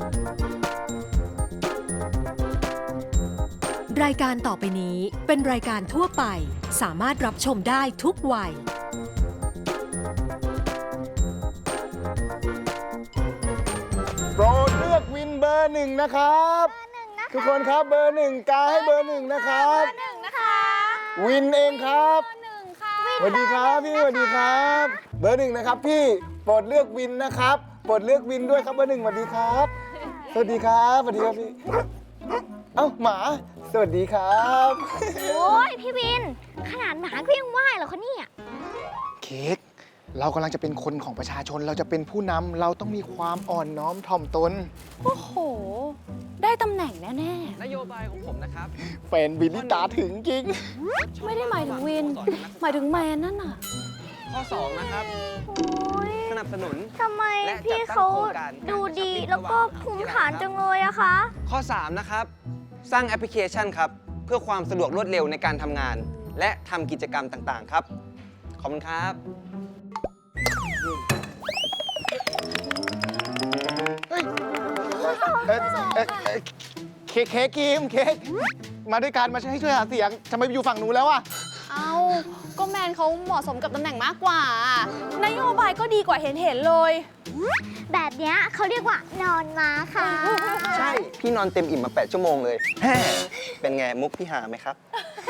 รายการต่อไปนี้เป็นรายการทั่วไปสามารถรับชมได้ทุกวัยโปรดเลือกวินเบอร์หนึ่งนะครับทุกคนครับเบอร์หนึ่งกาให้เบอร์หนึ่งนะครับวินเองครับสวัสดีครับพี่สวัสดีครับเบอร์หนึ่งนะครับพี่โปรดเลือกวินนะครับโปรดเลือกวินด้วยครับเบอร์หนึ่งสวัสดีครับสวัสดีครับสวัสดีครับพี่เอ้าหมาสวัสดีครับโอ้ยพี่วินขนาดหมาก็ยังไหวเหรอคะเนี่ยเค้กเรากำลังจะเป็นคนของประชาชนเราจะเป็นผู้นำเราต้องมีความอ่อนน้อมถ่อมตนโอ้โห ได้ตำแหน่งแน่นโยบายของผมนะครับแฟนบิลลี่ตาถึงจริงๆ ไม่ได้หมายถึงวิน หมายถึงแมนนั่นน่ะข้อ 2 นะครับ สนับสนุนทำไมและจัดตั้งพี่เขาโครงการดูดีการแล้วก็ระหว่างภูมิฐานจังเลยอะคะข้อ 3 นะครับ สร้างแอปพลิเคชันครับ เพื่อความสะดวกรวดเร็วในการทำงาน และทำกิจกรรมต่างๆ ครับ ขอบคุณครับเค้กกิมเค้กมาด้วยกันมาให้ช่วยหาเสียงทำไมไปอยู่ฝั่งนู้นแล้วอะเอาก็แมนเขาเหมาะสมกับตำแหน่งมากกว่า นโยบายก็ดีกว่าเห็นเลยแบบเนี้ยเขาเรียกว่านอนม้าค่ะใช่ พี่นอนเต็มอิ่มมา 8 ชั่วโมงเลยแฮ่เป็นไงมุกพี่หาไหมครับ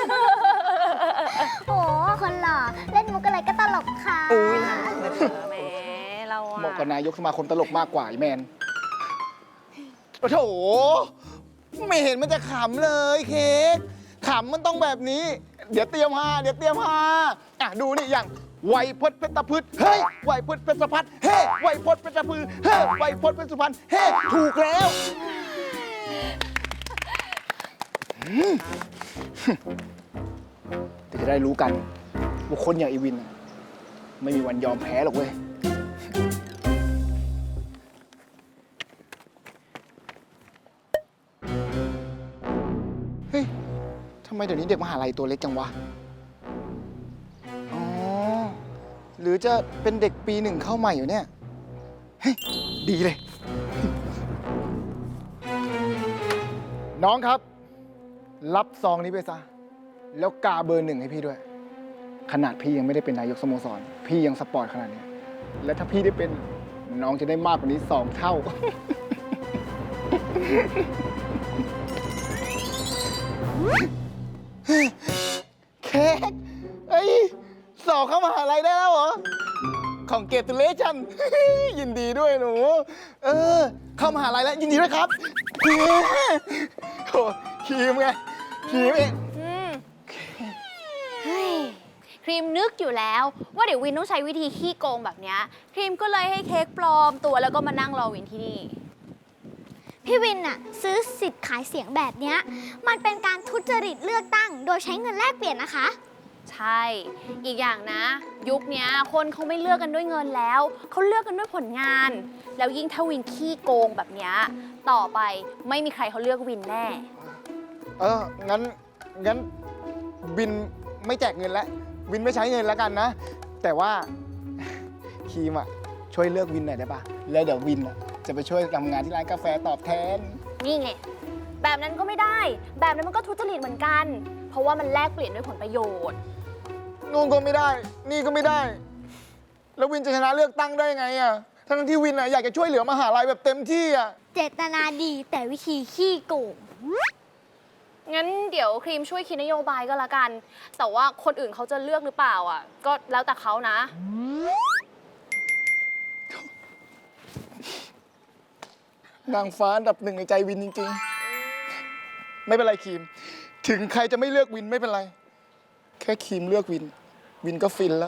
โอ้คนหล่อเล่นมุกอะไรก็ตลกค่ะอุ้ยน่ารักเลยแหมเราอะเหมาะกับนายกสมาคมตลกมากกว่าไอ้แมนโอ้โถไม่เห็นมันจะขำเลยเค้กขำมันต้องแบบนี้ เดี๋ยวเตรียมฮาอ่ะดูนี่อย่างไวยพจน์เพชรพืชเฮ้ยไวยพจน์เพชรพัดเฮ้ไวยพจน์เพชรพืชเฮ้ไวยพจน์เพชรสุพรรณเฮ้ถูกแล้วเดี๋ยวจะได้รู้กันว่าคนอย่างอีวินน่ะไม่มีวันยอมแพ้หรอกเว้ย เฮ้ย ทำไมเดี๋ยวนี้เด็กมหาลัยตัวเล็กจังวะ อ๋อ หรือจะเป็นเด็กปีหนึ่งเข้าใหม่อยู่เนี่ย เฮ้ย ดีเลย น้องครับ รับซองนี้ไปซะ แล้วกาเบอร์หนึ่งให้พี่ด้วย ขนาดพี่ยังไม่ได้เป็นนายกสโมสร พี่ยังสปอร์ตขนาดนี้ และถ้าพี่ได้เป็นน้องจะได้มากกว่านี้2 เท่า เค้กเอ้ยสอบเข้ามหาลัยได้แล้วเหรอ ของเกรดตุเลชัน ยินดีด้วยหนู เข้ามหาลัยแล้วยินดีด้วยครับเฮ้โหครีมไงครีมเองเฮ้ยครีมนึกอยู่แล้วว่าเดี๋ยววินต้องใช้วิธีขี้โกงแบบเนี้ยครีมก็เลยให้เค้กปลอมตัวแล้วก็มานั่งรอวินที่นี่พี่วินน่ะซื้อสิทธิ์ขายเสียงแบบเนี้ยมันเป็นการทุจริตเลือกตั้ง โดยใช้เงินแลกเปลี่ยนนะคะใช่ อีกอย่างนะ ยุคเนี้ยคนเขาไม่เลือกกันด้วยเงินแล้ว เขาเลือกกันด้วยผลงาน แล้วยิ่งถ้าวินขี้โกงแบบเนี้ยต่อไปไม่มีใครเขาเลือกวินแน่งั้นวินไม่แจกเงินแล้ว วินไม่ใช้เงินแล้วกันนะ แต่ว่า ครีมอ่ะ ช่วยเลือกวินหน่อยได้ปะแล้วเดี๋ยววินอ่ะจะไปช่วยทำงานที่ร้านกาแฟตอบแทนนี่ไง แบบนั้นก็ไม่ได้ แบบนั้นมันก็ทุจริตเหมือนกัน เพราะว่ามันแลกเปลี่ยนด้วยผลประโยชน์นู่นก็ไม่ได้ นี่ก็ไม่ได้ แล้ววินจะชนะเลือกตั้งได้ไงอ่ะ ทั้งที่วินอ่ะอยากจะช่วยเหลือมหาลัยแบบเต็มที่อ่ะเจตนาดีแต่วิธีขี้โกงงั้นเดี๋ยวครีมช่วยคิดนโยบายก็แล้วกัน แต่ว่าคนอื่นเขาจะเลือกหรือเปล่าอ่ะ ก็แล้วแต่เขานะนางฟ้าอันดับหนึ่งในใจวินจริงๆ ไม่เป็นไรครีม ถึงใครจะไม่เลือกวินไม่เป็นไร แค่ครีมเลือกวิน วินก็ฟินแล้ว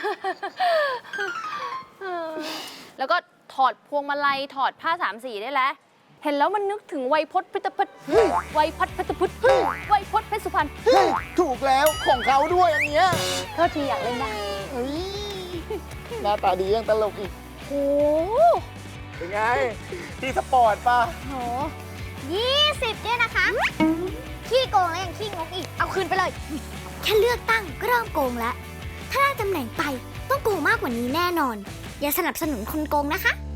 แล้วก็ถอดพวงมาลัยถอดผ้าสามสีได้แล้ว เห็นแล้วมันนึกถึงไวยพจน์เพชรพุทธไวยพจน์เพชรพุทธไวยพจน์เพชรสุพรรณถูกแล้วของเขาด้วยอันเนี้ยโทษทีอยากเล่นบ้างเฮ้ยหน้าตาดียังตลกอีกโอ้เป็นไง ที่สปอร์ตป่ะโห 20เนี่ยนะคะ ขี้โกงแล้วยังขี้งกอีก เอาคืนไปเลย แค่เลือกตั้งก็เริ่มโกงแล้ว ถ้าได้ตำแหน่งไปต้องโกงมากกว่านี้แน่นอน อย่าสนับสนุนคนโกงนะคะ